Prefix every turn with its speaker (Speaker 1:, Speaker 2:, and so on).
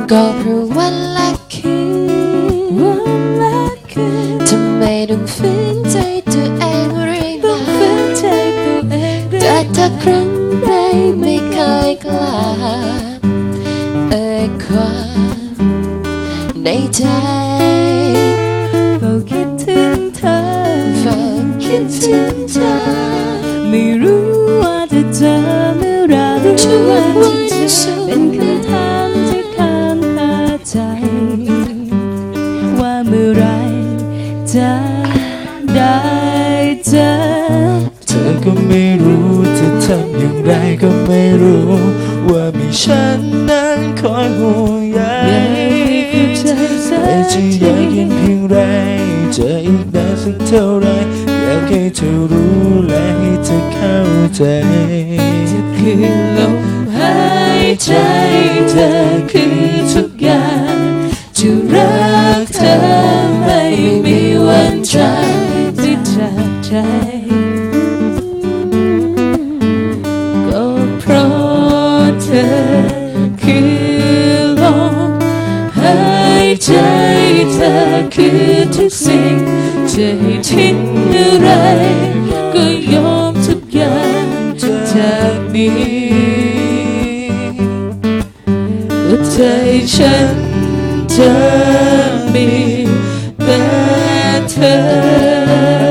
Speaker 1: ก็เพราะวันละคืนทำไมต้องฝืนใจตัวเองเรื่อยมาแต่ถ้าครั้งใดไม่เคยกล้าความในใจ
Speaker 2: เฝ้าคิดถึงเธอไม่รู้ว่าจะเจอเมื่อไรเป็นคำถามที่ค้างคาใจว่าเมื่อไรจะได้เจอ
Speaker 3: เธอก็ไม่รู้จะทำอย่างไรก็ไม่รู้ว่ามีฉันนั้นคอยห่วงใยแต่จะอยากเห็นเพียงไรจะอีกนานสักเท่าไรอยากให้เธอรู้และให้เธอเข้าใจ
Speaker 2: จะคือลมหายใจเธอคือทุกอย่างจะรักเธอไม่มีวันจากใจก็เพราะเธอคือลมหายใจเธอคือทุกสิ่งจะให้ทิ้งอะไรก็ยอมทุกอย่างจากนี้ก็ใจฉันจะมีแต่เธอ